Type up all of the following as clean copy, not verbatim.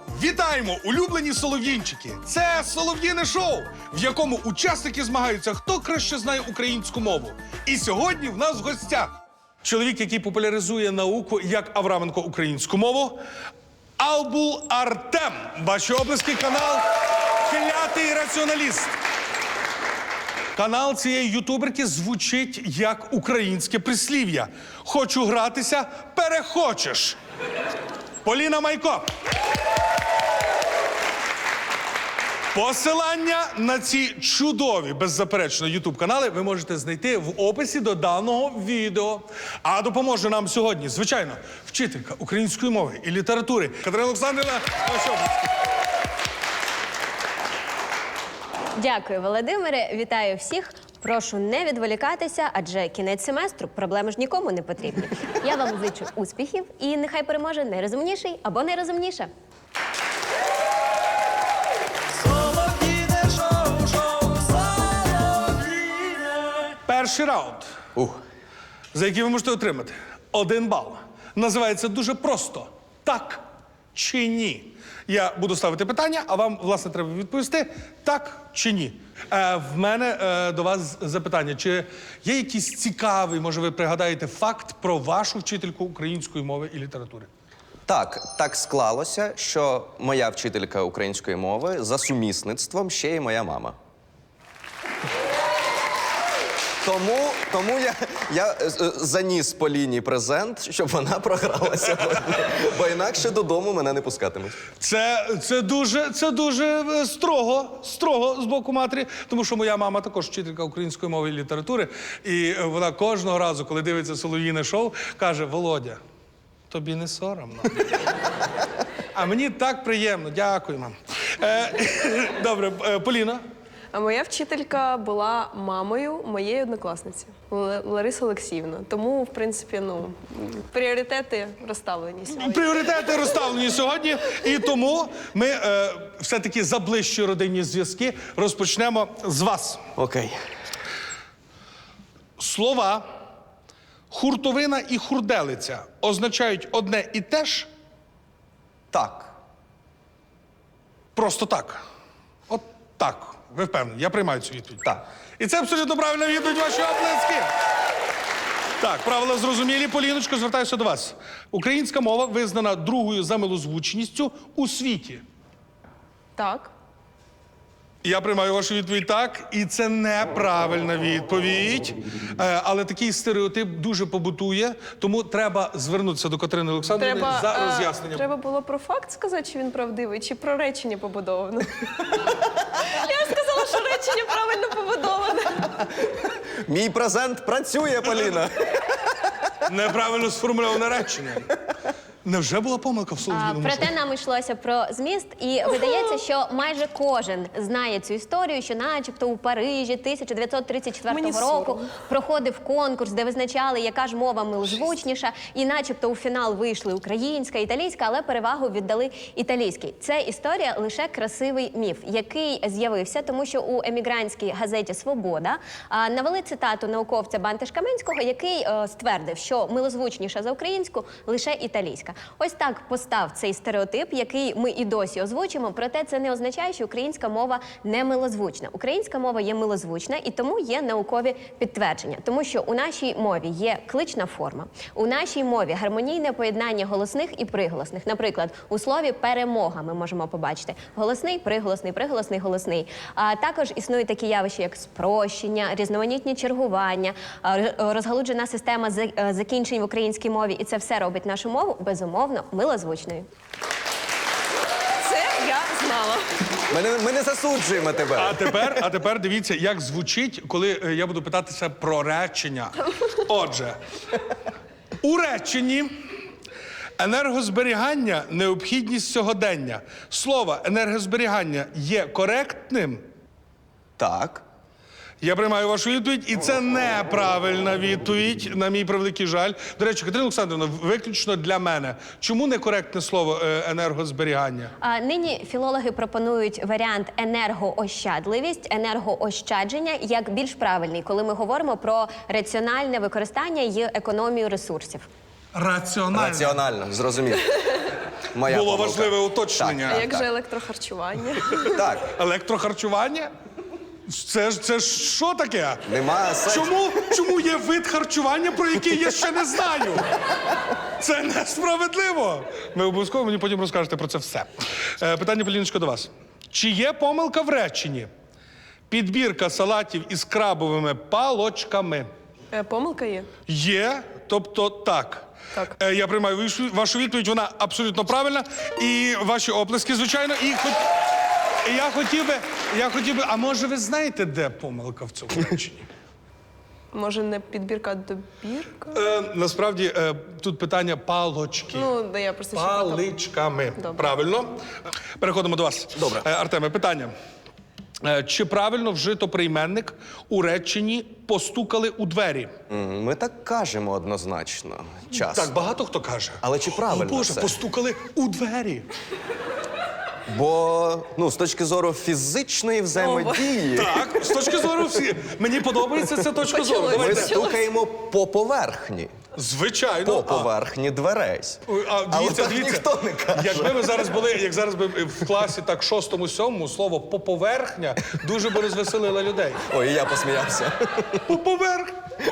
Вітаємо, улюблені солов'їнчики! Це солов'їне шоу, в якому учасники змагаються, хто краще знає українську мову. І сьогодні в нас в гостях чоловік, який популяризує науку, як Авраменко, українську мову, Албул Артем. Ваші оплески, канал «Клятий раціоналіст». Канал цієї ютуберки звучить як українське прислів'я. Хочу гратися – перехочеш. Поліна Майко. Посилання на ці чудові, беззаперечно, ютуб-канали ви можете знайти в описі до даного відео. А допоможе нам сьогодні, звичайно, вчителька української мови і літератури Катерина Олександрівна. Дякую, Володимире. Вітаю всіх. Прошу не відволікатися, адже кінець семестру, проблеми ж нікому не потрібні. Я вам зичу успіхів і нехай переможе найрозумніший або найрозумніша. Перший раунд, за який ви можете отримати 1 бал. Називається дуже просто «Так чи ні?». Я буду ставити питання, а вам, власне, треба відповісти «так» чи «ні». В мене до вас запитання. Чи є якийсь цікавий, може, ви пригадаєте, факт про вашу вчительку української мови і літератури? Так склалося, що моя вчителька української мови за сумісництвом ще й моя мама. Тому я заніс Поліні презент, щоб вона програла сьогодні. Бо інакше додому мене не пускатимуть. Це дуже строго з боку матері, тому що моя мама також вчителька української мови і літератури, і вона кожного разу, коли дивиться солов'їне шоу, каже: Володя, тобі не соромно? А мені так приємно. Дякую, мам. Добре, Поліна. А моя вчителька була мамою моєї однокласниці Лариси Олексіївни. Тому, в принципі, пріоритети розставлені сьогодні. Пріоритети розставлені сьогодні, і тому ми все-таки за ближчі родинні зв'язки розпочнемо з вас. Окей. Слова хуртовина і хурделиця означають одне і те ж? Так. Просто так. От так. Ви впевнені? Я приймаю цю відповідь. Так. І це абсолютно правильна відповідь, ваші оплески. Так, правила зрозумілі. Поліночко, звертаюся до вас. Українська мова визнана другою за милозвучністю у світі. Так. Я приймаю вашу відповідь так, і це неправильна відповідь. Але такий стереотип дуже побутує, тому треба звернутися до Катерини Олександрівни за роз'ясненням. Треба було про факт сказати, чи він правдивий, чи про речення побудоване. Я сказала, що речення правильно побудоване. Мій презент працює, Поліна. Неправильно сформульоване речення. Невже була помилка в солов'їному шоу? Проте нам йшлося про зміст, і видається, що майже кожен знає цю історію, що начебто у Парижі 1934 року проходив конкурс, де визначали, яка ж мова милозвучніша, і начебто у фінал вийшли українська, італійська, але перевагу віддали італійській. Це історія лише красивий міф, який з'явився, тому що у емігрантській газеті «Свобода» навели цитату науковця Бантиш-Каменського, який ствердив, що милозвучніша за українську лише італійська. Ось так постав цей стереотип, який ми і досі озвучимо, проте це не означає, що українська мова не милозвучна. Українська мова є милозвучна, і тому є наукові підтвердження. Тому що у нашій мові є клична форма, у нашій мові гармонійне поєднання голосних і приголосних. Наприклад, у слові «перемога» ми можемо побачити голосний, приголосний, приголосний, голосний. А також існують такі явища, як спрощення, різноманітні чергування, розгалуджена система закінчень в українській мові, і це все робить нашу мову безумовно милозвучною. Це я знала. Ми не засуджуємо тебе. А тепер дивіться, як звучить, коли я буду питатися про речення. Отже, у реченні енергозберігання – необхідність сьогодення. Слово енергозберігання є коректним? Так. Я приймаю вашу відповідь, і це неправильна відповідь, на мій превеликий жаль. До речі, Катерина Олександрівна, виключно для мене. Чому некоректне слово енергозберігання? Нині філологи пропонують варіант енергоощадливість, енергоощадження як більш правильний, коли ми говоримо про раціональне використання і економію ресурсів. Раціонально. Раціонально, зрозумів. Моя було помилка. важливе уточнення. А як же електрохарчування? Так, Електрохарчування? Це ж що таке? нема сенсу. Чому є вид харчування, про який я ще не знаю? Це несправедливо. Ви обов'язково мені потім розкажете про це все. Питання, Поліночко, до вас. Чи є помилка в реченні? Підбірка салатів із крабовими палочками. Помилка є? Є, тобто так. Так. Я приймаю вашу відповідь, вона абсолютно правильна. І ваші оплески, звичайно. Я хотів би, а може ви знаєте, де помилка в цьому реченні? Може, не підбірка, а добірка? Насправді, тут питання палочки. Ну, да я просто ще Паличками. Добре. Правильно. Переходимо до вас. Добре. Артеме, питання. Чи правильно вжито прийменник у реченні «постукали у двері»? Ми так кажемо однозначно. Часто. Так, багато хто каже. Але чи правильно О, Боже, це? постукали у двері. Бо, з точки зору фізичної взаємодії, Так, з точки зору всі. Мені подобається ця точка зору. Почалось. ми Давайте. стукаємо по поверхні. Звичайно. По поверхні дверей. Але так ніхто не каже. Якби ми зараз були, як зараз би в класі так 6-7, слово «поповерхня» дуже би розвеселило людей. Ой, я посміявся. Поповерх.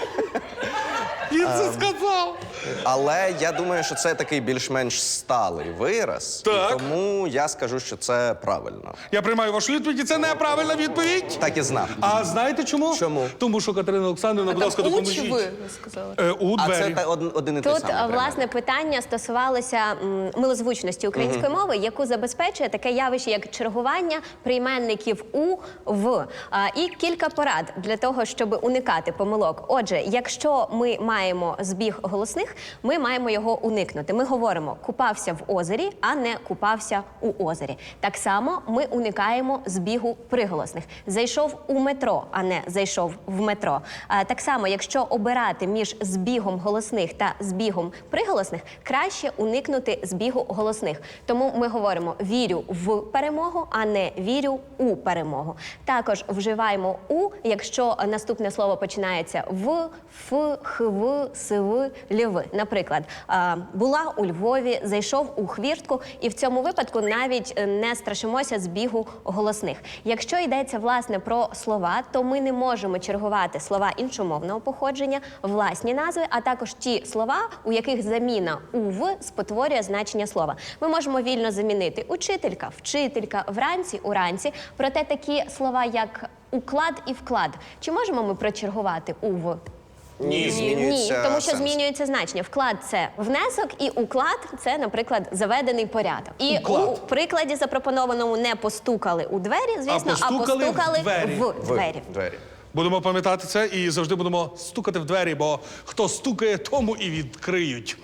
Він це сказав. Але я думаю, що це такий більш-менш сталий вираз. Так. І тому я скажу, що це правильно. Я приймаю вашу відповідь, і це неправильна відповідь. Так і знав. А знаєте чому? Чому? Тому що Катерина Олександрівна, будь ласка, у чи допоможіть. ви сказали? У А двері. це один і той Тут, самий власне, питання стосувалося милозвучності української мови, яку забезпечує таке явище, як чергування прийменників у, в. І кілька порад для того, щоб уникати помилок. Отже, якщо ми маємо збіг голосних, ми маємо його уникнути. Ми говоримо «купався в озері», а не «купався у озері». Так само ми уникаємо збігу приголосних. «Зайшов у метро», а не «зайшов в метро». Так само, якщо обирати між збігом голосних та збігом приголосних, краще уникнути збігу голосних. Тому ми говоримо «вірю в перемогу», а не «вірю у перемогу». Також вживаємо «у», якщо наступне слово починається «в», «ф», «хв», «св», «льв». Наприклад, була у Львові, зайшов у хвіртку, і в цьому випадку навіть не страшимося збігу голосних. Якщо йдеться, власне, про слова, то ми не можемо чергувати слова іншомовного походження, власні назви, а також ті слова, у яких заміна «ув» спотворює значення слова. Ми можемо вільно замінити учителька, вчителька, вранці, уранці, проте такі слова, як уклад і вклад, чи можемо ми прочергувати «ув»? Ні, Ні, змінюється тому що сенс. змінюється значення. Вклад – це внесок, і уклад – це, наприклад, заведений порядок. І Уклад. у прикладі запропонованому не постукали у двері, звісно, а постукали постукали в двері. в двері. Двері. Будемо пам'ятати це і завжди будемо стукати в двері, бо хто стукає, тому і відкриють.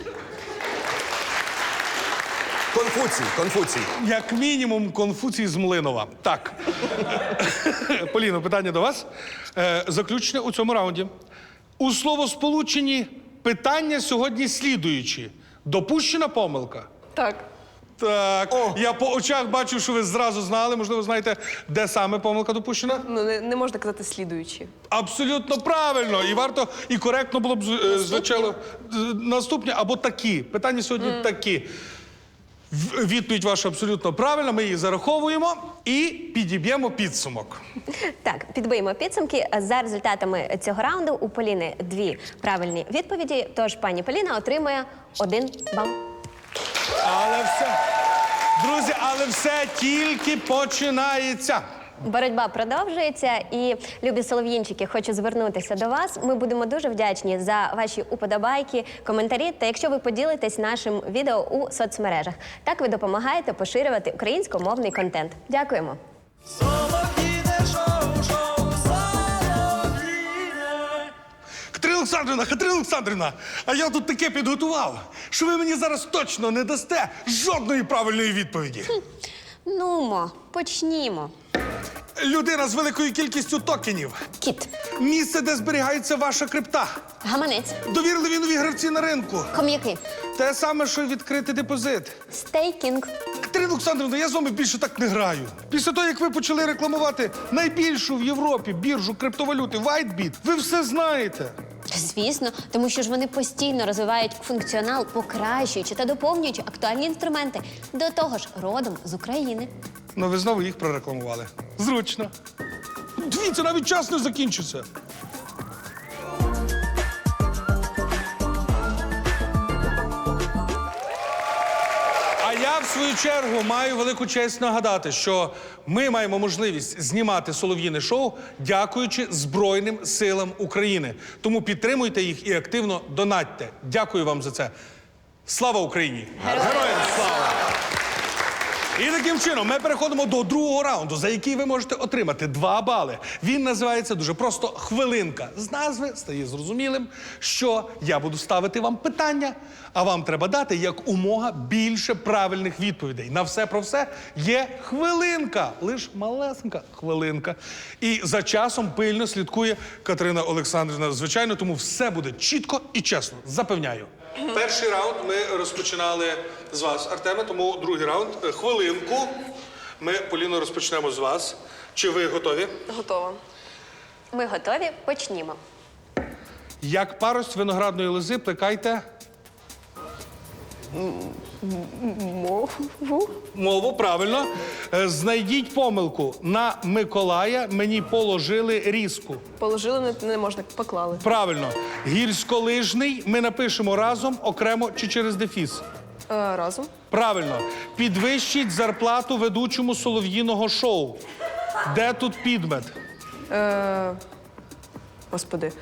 Конфуцій. Як мінімум, Конфуцій з Млинова. Так. Поліно, питання до вас. Заключне у цьому раунді. У словосполученні питання сьогодні слідуючі. Допущена помилка? Так. Так. Я по очах бачу, що ви зразу знали. Можливо, знаєте, де саме помилка допущена? Ну, не можна казати слідуючі. Абсолютно правильно. І варто, і коректно було б, звичайно, наступні або такі. Питання сьогодні такі. Відповідь ваша абсолютно правильна, ми її зараховуємо і підіб'ємо підсумок. Так, підбиємо підсумки. За результатами цього раунду у Поліни 2 правильні відповіді, тож пані Поліна отримує 1 бал. Але все, друзі, але все тільки починається. Боротьба продовжується, і, любі солов'їнчики, хочу звернутися до вас. Ми будемо дуже вдячні за ваші уподобайки, коментарі, та якщо ви поділитесь нашим відео у соцмережах. Так ви допомагаєте поширювати українськомовний контент. Дякуємо. Катерина Олександрівна, а я тут таке підготував, що ви мені зараз точно не дасте жодної правильної відповіді. Нумо, почнімо. Людина з великою кількістю токенів. Кіт, Місце, де зберігається ваша крипта. гаманець, Довірливі нові гравці на ринку. хом'яки, Те саме, що й відкрити депозит. стейкінг. Катерина Олександрівна, я з вами більше так не граю. Після того, як ви почали рекламувати найбільшу в Європі біржу криптовалюти WhiteBit, ви все знаєте. Звісно, тому що ж вони постійно розвивають функціонал, покращуючи та доповнюючи актуальні інструменти. До того ж, родом з України. Ну, ви знову їх прорекламували. Зручно. Дивіться, навіть час не закінчиться. А я, в свою чергу, маю велику честь нагадати, що ми маємо можливість знімати солов'їне шоу, дякуючи Збройним силам України. Тому підтримуйте їх і активно донатьте. Дякую вам за це. Слава Україні! Героям слава! І таким чином ми переходимо до другого раунду, за який ви можете отримати 2 бали. Він називається дуже просто «Хвилинка». З назви стає зрозумілим, що я буду ставити вам питання, а вам треба дати якомога більше правильних відповідей. На все про все є хвилинка, лиш малесенька хвилинка. І за часом пильно слідкує Катерина Олександрівна, звичайно, тому все буде чітко і чесно, запевняю. Перший раунд ми розпочинали з вас, Артеме, тому другий раунд. Хвилинку. Ми, Поліно, розпочнемо з вас. Чи ви готові? Готова. Ми готові? Почнімо. Як парость виноградної лози плекайте мову, правильно. Знайдіть помилку. На Миколая мені положили різку. Положили, не можна, поклали. Правильно. Гірськолижний ми напишемо разом, окремо чи через дефіс. Разом. Правильно. Підвищіть зарплату ведучому солов'їного шоу. Де тут підмет? Господи.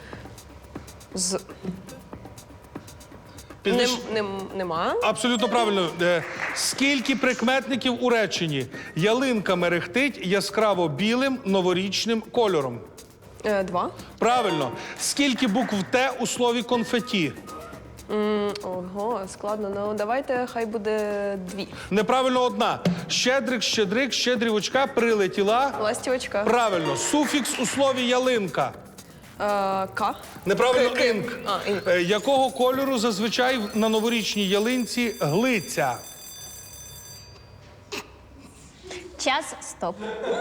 Підвищ- Нема. Абсолютно правильно. Скільки прикметників у реченні? Ялинка мерехтить яскраво білим новорічним кольором. 2. Правильно. Скільки букв Т у слові конфеті? Ого, складно. Ну, давайте, хай буде 2. Неправильно 1. Щедрик, щедрик, щедрівочка прилетіла. Ластівочка. Правильно. Суфікс у слові ялинка. К. Неправильно К. інк. Інк. Якого кольору зазвичай на новорічній ялинці глиця? Час, стоп.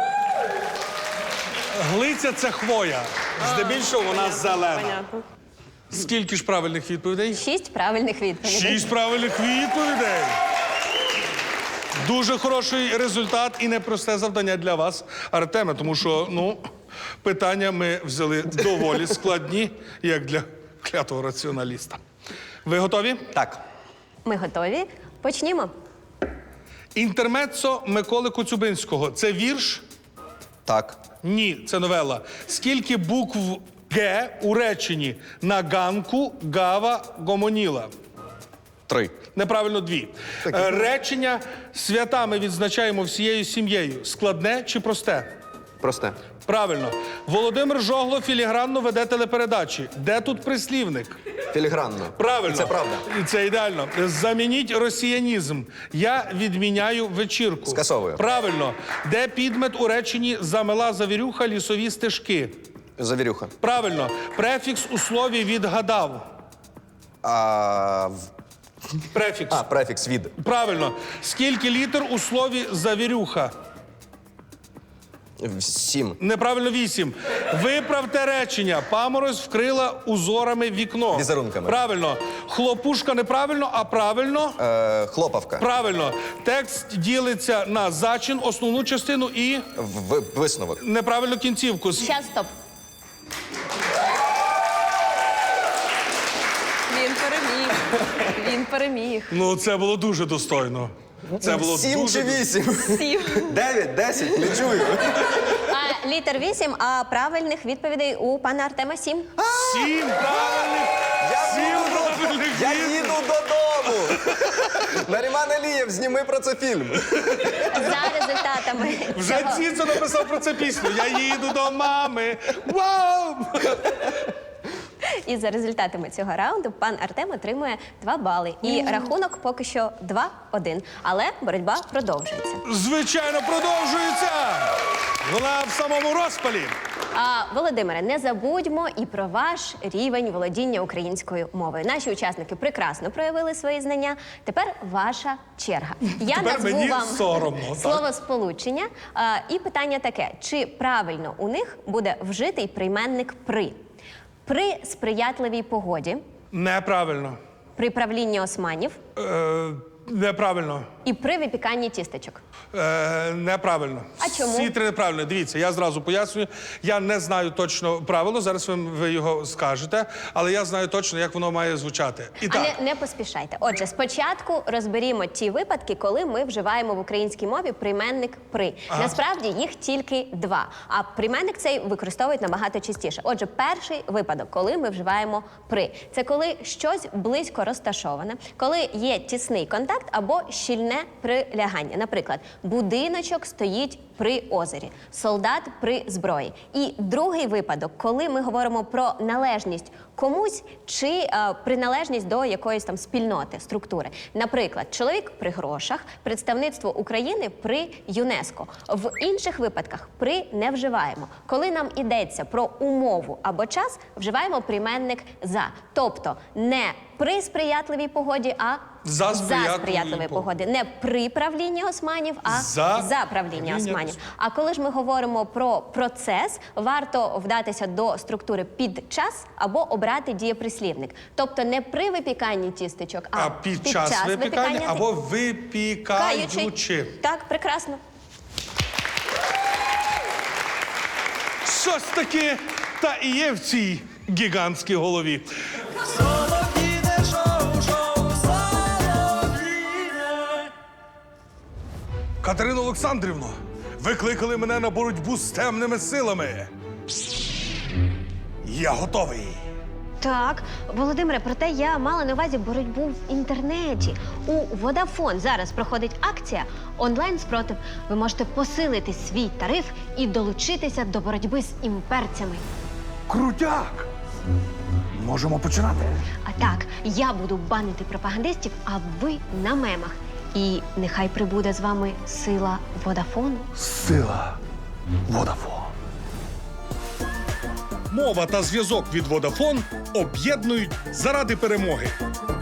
Глиця – це хвоя. Здебільшого вона зелена. Понятно. Скільки ж правильних відповідей? 6 правильних відповідей. 6 правильних відповідей. Дуже хороший результат і непросте завдання для вас, Артеме, тому що, питання ми взяли доволі складні, як для клятого раціоналіста. Ви готові? Так. Ми готові? Почнімо. Інтермеццо Миколи Коцюбинського – це вірш? Так. Ні, це новела. Скільки букв Г у реченні «на ганку гава гомоніла»? 3. Неправильно 2. Речення «свята ми відзначаємо всією сім'єю» складне чи просте? Просте. Правильно. Володимир Жогло філігранно веде телепередачі. Де тут прислівник? Філігранно. Правильно. І це правда. І це ідеально. Замініть росіянізм. Я відміняю вечірку. Скасовую. Правильно. Де підмет у реченні «замела завірюха лісові стежки»? Завірюха. Правильно. Префікс у слові «відгадав». Префікс. Префікс від. Правильно. Скільки літер у слові «завірюха»? 7. Неправильно 8. Виправте речення. Паморозь вкрила узорами вікно. Візерунками. Правильно. Хлопушка неправильно, а правильно? Хлопавка. Правильно. Текст ділиться на зачин, основну частину і Висновок. неправильну кінцівку. Час, стоп. Він переміг. Він переміг. Ну, це було дуже достойно. Це було 7 дуже... чи 8? 7. 9, 10, не чую. Літер 8, а правильних відповідей у пана Артема 7. 7 правильних! 7 правильних Я відповідей. їду додому. Наріман Алієв, зніми про це фільм. За результатами Вже цього... Ціцо написав про це пісню. Я їду до мами. Вау! І за результатами цього раунду пан Артем отримує 2 бали. І рахунок поки що 2-1. Але боротьба продовжується. Звичайно, продовжується. Вона в самому розпалі. Володимире, не забудьмо і про ваш рівень володіння українською мовою. Наші учасники прекрасно проявили свої знання. Тепер ваша черга. Я Тепер назву мені вам соромно, так. словосполучення. І питання таке: чи правильно у них буде вжитий прийменник при? При сприятливій погоді, Неправильно. при правлінні османів Неправильно. і при випіканні тістечок. Неправильно. А чому? Всі три неправильно. Дивіться, я зразу пояснюю. Я не знаю точно правило, зараз ви його скажете, але я знаю точно, як воно має звучати. І так. Але не поспішайте. Отже, спочатку розберімо ті випадки, коли ми вживаємо в українській мові прийменник «при». Насправді їх тільки два, а прийменник цей використовують набагато частіше. Отже, перший випадок, коли ми вживаємо «при». Це коли щось близько розташоване, коли є тісний контакт або щільне прилягання. Наприклад, будиночок стоїть при озері, солдат при зброї. І другий випадок, коли ми говоримо про належність комусь чи приналежність до якоїсь там спільноти, структури. Наприклад, чоловік при грошах, представництво України при ЮНЕСКО. В інших випадках при не вживаємо. Коли нам йдеться про умову або час, вживаємо прийменник «за». Тобто не при сприятливій погоді, а За сприятливої сприятливої погоди. Не при правлінні османів, а за правління османів. А коли ж ми говоримо про процес, варто вдатися до структури «під час» або обрати дієприслівник. Тобто не при випіканні тістечок, А під час випікання або випікаючи. Так, прекрасно. Щось таке та і є в цій гігантській голові. Катерино Олександрівно, ви кликали мене на боротьбу з темними силами. Я готовий. Так, Володимире, проте я мала на увазі боротьбу в інтернеті. У Vodafone зараз проходить акція онлайн-спротив. Ви можете посилити свій тариф і долучитися до боротьби з імперцями. Крутяк! Можемо починати. А так, я буду банити пропагандистів, а ви на мемах. І нехай прибуде з вами сила Водафону. Сила Водафон. Мова та зв'язок від Водафон об'єднують заради перемоги.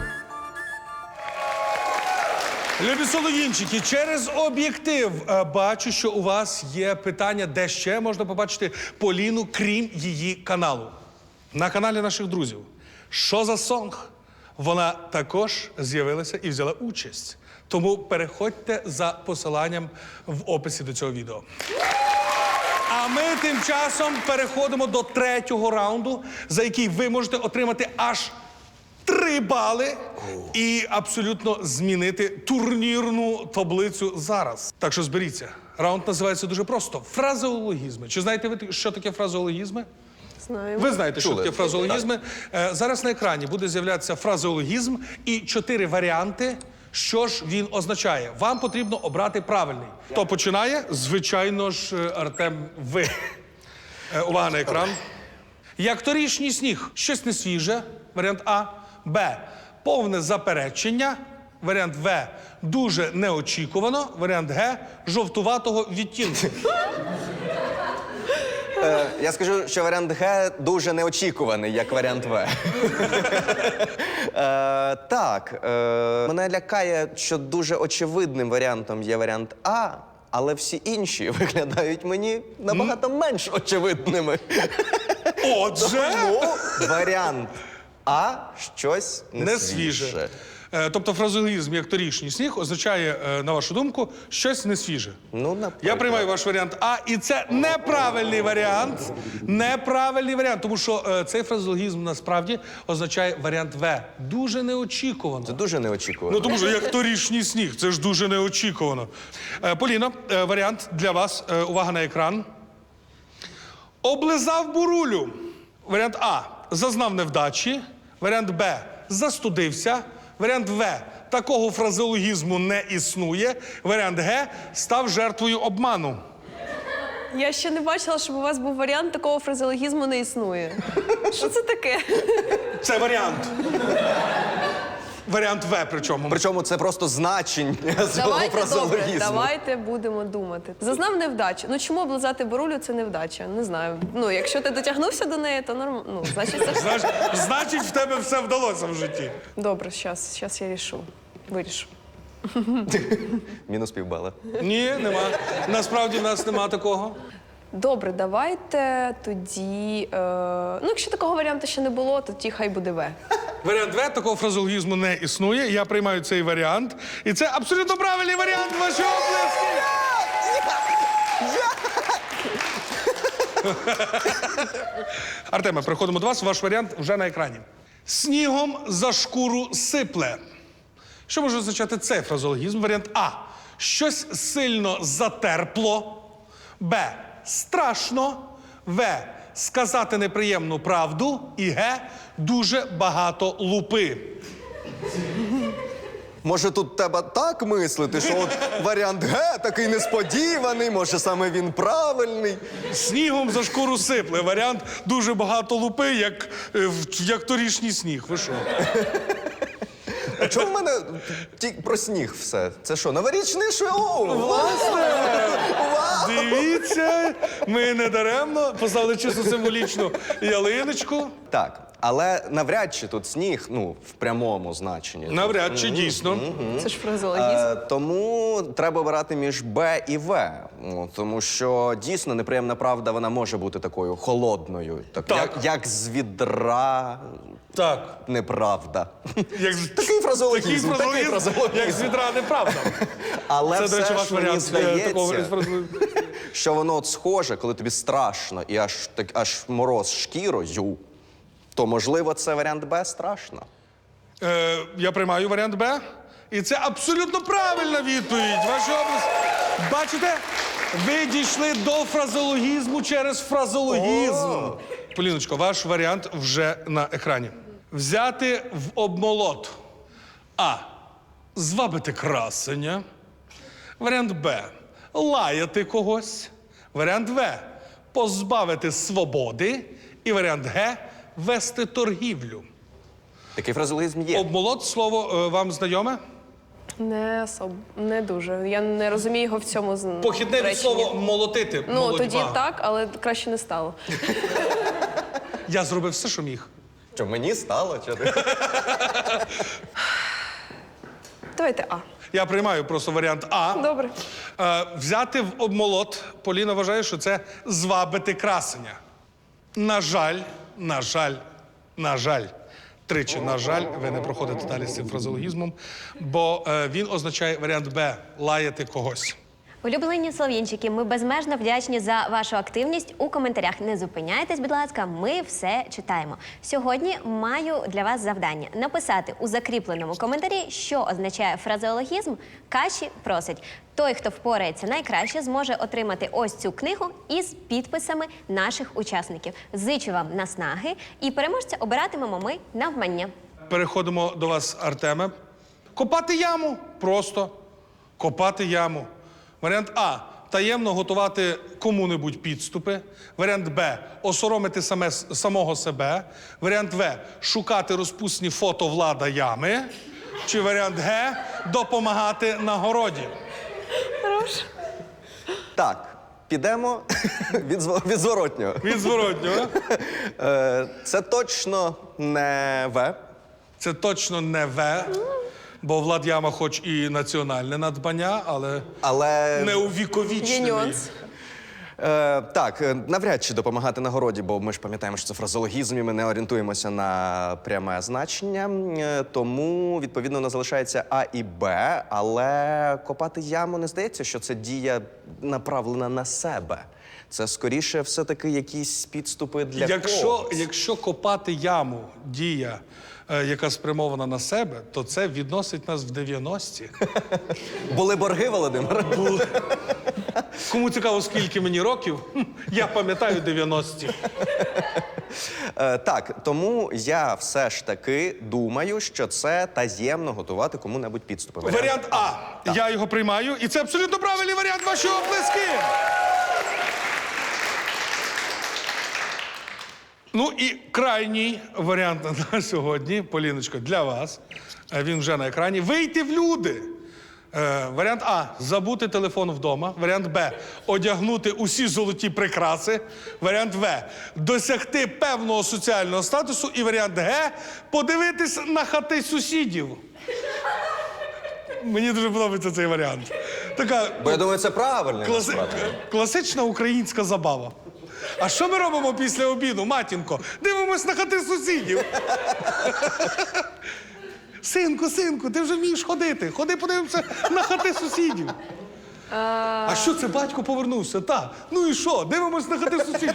Любі солов'їнчики, через об'єктив бачу, що у вас є питання, де ще можна побачити Поліну, крім її каналу. На каналі наших друзів. Що за сонг? Вона також з'явилася і взяла участь. Тому переходьте за посиланням в описі до цього відео. А ми тим часом переходимо до третього раунду, за який ви можете отримати аж 3 бали і абсолютно змінити турнірну таблицю зараз. Так що зберіться. Раунд називається дуже просто – фразеологізми. Чи знаєте ви, що таке фразеологізми? Знаємо. Ви знаєте, що Чули. таке фразеологізми. Зараз на екрані буде з'являтися фразеологізм і 4 варіанти, що ж він означає. Вам потрібно обрати правильний. Хто починає? Звичайно ж, Артем, ви. Увага на екран. Як торішній сніг. Щось не свіже. Варіант А. Б. Повне заперечення. Варіант В. Дуже неочікувано. Варіант Г. Жовтуватого відтінку. Я скажу, що варіант Г дуже неочікуваний, як варіант В. Так, мене лякає, що дуже очевидним варіантом є варіант А, але всі інші виглядають мені набагато менш очевидними. Отже, Ну, варіант А щось не свіже. Тобто фразеологізм як торішній сніг означає, на вашу думку, щось не свіже. Ну, наприклад. Я приймаю ваш варіант А, і це неправильний варіант. Неправильний варіант, тому що цей фразеологізм насправді означає варіант В. Дуже неочікувано. Це дуже неочікувано. Ну, тому що як торішній сніг, це ж дуже неочікувано. Поліно, варіант для вас. Увага на екран. Облизав бурулю. Варіант А. Зазнав невдачі. Варіант Б. Застудився. Варіант В. Такого фразеологізму не існує. Варіант Г. Став жертвою обману. Я ще не бачила, щоб у вас був варіант такого фразеологізму не існує. Що це таке? Це варіант. Варіант В причому. Причому це просто значення цього Давайте добре, фразеологізму. давайте будемо думати. Зазнав невдачу. Ну чому облизати бурулю це невдача? Не знаю. Ну, якщо ти дотягнувся до неї, то нормально. Ну, значить, це ж... Значить, в тебе все вдалося в житті. Добре, щас я вирішу. Мінус півбала. Ні, нема. Насправді в нас нема такого. Добре, давайте тоді. Ну, якщо такого варіанту ще не було, то тоді хай буде В. Варіант В, такого фразеологізму не існує. Я приймаю цей варіант. І це абсолютно правильний варіант. Ваші оплески! Артеме, переходимо до вас. Ваш варіант вже на екрані. Снігом за шкуру сипле. Що може означати цей фразеологізм? Варіант А. Щось сильно затерпло. Б. Страшно. В. Сказати неприємну правду. І Г. Дуже багато лупи. Може, тут треба так мислити, що от варіант Г такий несподіваний, може, саме він правильний. Снігом за шкуру сипле. Варіант дуже багато лупи, як торішній сніг. Ви що? А чому в мене про сніг все? Це що, новорічний шоу? Власне! Дивіться, ми не даремно поставили чисто символічну ялиночку. Так, але навряд чи тут сніг, ну, в прямому значенні. Навряд чи дійсно. Це ж фразеологізм. Тому треба обирати між Б і В. Ну, тому що дійсно неприємна правда, вона може бути такою холодною. Так. Як з відра Так. неправда. Як... Такий фразеологізм, Такий фразеологізм, як з відра неправда. Але Це, до речі, все ваш ж мені варіант такого здається, що воно от схоже, коли тобі страшно і аж мороз шкірою, то, можливо, це варіант Б страшно. Я приймаю варіант Б. І це абсолютно правильна відповідь. Ваші область. Бачите? Ви дійшли до фразеологізму через фразеологізм. Поліночко, ваш варіант вже на екрані. Взяти в обмолот. А. Звабити красення. Варіант Б. Лаяти когось. Варіант В. Позбавити свободи. І варіант Г. Вести торгівлю. Такий фразеологізм є. Обмолот, слово вам знайоме? Не дуже. Я не розумію його в цьому Похідне від реченні. слова молотити. Ну, молодьба. тоді так, але краще не стало. Я зробив все, що міг. Що, мені стало? Чи ти? Давайте А. Я приймаю просто варіант А. Добре. Взяти в обмолот. Поліна вважає, що це звабити красення. На жаль, на жаль, на жаль. Тричі, на жаль, ви не проходите далі з цим фразеологізмом, бо він означає варіант Б – лаяти когось. Улюблені слов'янчики, ми безмежно вдячні за вашу активність у коментарях. Не зупиняйтесь, будь ласка, ми все читаємо. Сьогодні маю для вас завдання – написати у закріпленому коментарі, що означає фразеологізм «Каші просить». Той, хто впорається найкраще, зможе отримати ось цю книгу із підписами наших учасників. Зичу вам наснаги і переможця обиратимемо ми навмання. Переходимо до вас, Артеме. Копати яму. Просто копати яму. Варіант А – таємно готувати кому-небудь підступи. Варіант Б – осоромити самого себе. Варіант В – шукати розпусні фото Влада ями. Чи варіант Г – допомагати на городі. Хорош. Так, підемо від зворотнього. Від зворотнього. Це точно не В. Це точно не В. Бо Влад Яма хоч і національне надбання, але не Є увіковічнений. нюанс. Так, навряд чи допомагати на городі, бо ми ж пам'ятаємо, що це фразеологізм, і ми не орієнтуємося на пряме значення. Тому, відповідно, у нас залишається А і Б, але копати яму не здається, що це дія направлена на себе. Це, скоріше, все-таки якісь підступи для когось. Якщо копати яму – дія, яка спрямована на себе, то це відносить нас в 90-ті. Були борги, Володимир? Кому цікаво, скільки мені років, я пам'ятаю 90-ті. Так, тому я все ж таки думаю, що це таємно готувати кому-небудь підступи. Варіант А. Я його приймаю, і це абсолютно правильний варіант. Ваші оплески! Ну і крайній варіант на сьогодні, Поліночко, для вас. Він вже на екрані. Вийти в люди. Варіант А – забути телефон вдома. Варіант Б – одягнути усі золоті прикраси. Варіант В – досягти певного соціального статусу. І варіант Г – подивитись на хати сусідів. Мені дуже подобається цей варіант. Така Бо я думаю, це правильно. насправді. класична українська забава. А що ми робимо після обіду, матінко? Дивимось на хати сусідів. Синку, ти вже вмієш ходити. Ходи подивимося на хати сусідів. А що це, батько повернувся? Та. Ну і що? Дивимось на хати сусідів.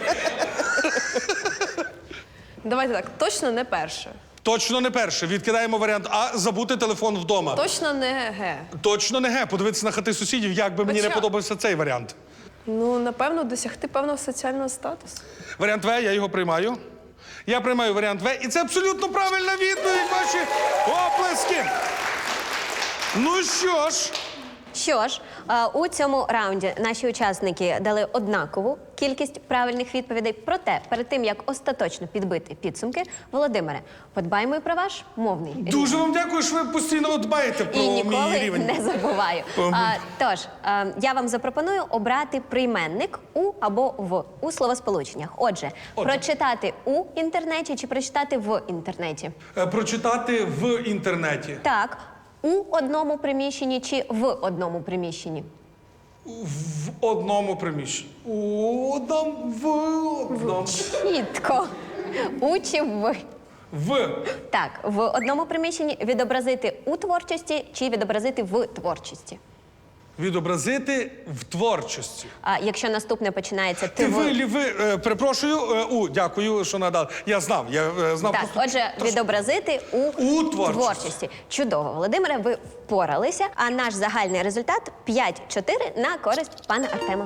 Давайте так, точно не перше. Точно не перше. Відкидаємо варіант А – забути телефон вдома. Точно не Г. Точно не Г. Подивитися на хати сусідів, як би мені не Хоча- подобався цей варіант. Ну, напевно, досягти певного соціального статусу. Варіант В, я його приймаю. Я приймаю варіант В, і це абсолютно правильна відповідь, ваші оплески. Ну що ж, Що ж, у цьому раунді наші учасники дали однакову кількість правильних відповідей. Проте, перед тим, як остаточно підбити підсумки, Володимире, подбаймо і про ваш мовний рівень. дуже вам дякую, що ви постійно дбаєте про І мій ніколи рівень. не забуваю. Тож, я вам запропоную обрати прийменник «у» або «в» у словосполученнях. Отже, прочитати «у» інтернеті чи прочитати «в» інтернеті? Прочитати в інтернеті. Так, у одному приміщенні чи в одному приміщенні? В одному приміщенні. В одному. Чітко. У чи в? В. Так, в одному приміщенні відобразити у творчості чи відобразити в творчості? Відобразити в творчості. А якщо наступне починається ти в... перепрошую, дякую, що надали. Я знав, знав. Так, просто отже, відобразити У творчості. Чудово, Володимире, ви впоралися. А наш загальний результат 5-4 на користь пана Артема.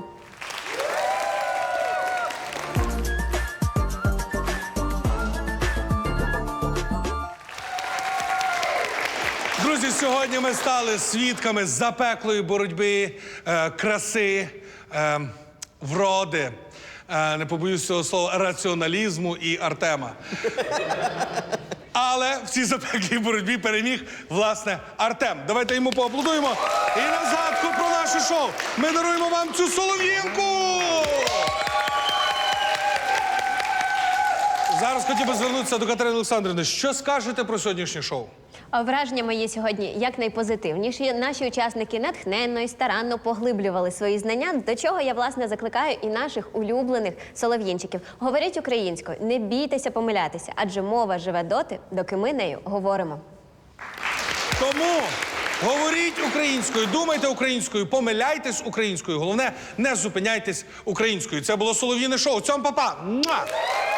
Друзі, сьогодні ми стали свідками запеклої боротьби, краси, вроди, не побоюсь цього слова, раціоналізму і Артема. Але в цій запеклій боротьбі переміг, власне, Артем. Давайте йому поаплодуємо. І на згадку про наше шоу ми даруємо вам цю солов'їнку! Зараз хотів би звернутися до Катерини Олександрівни. Що скажете про сьогоднішнє шоу? А враження мої сьогодні якнайпозитивніші. Наші учасники натхненно і старанно поглиблювали свої знання, до чого я, власне, закликаю і наших улюблених солов'їнчиків. Говоріть українською, не бійтеся помилятися, адже мова живе доти, доки ми нею говоримо. Тому говоріть українською, думайте українською, помиляйтесь українською. Головне, не зупиняйтесь українською. Це було Солов'їне шоу. Цьом, па-па! Муа!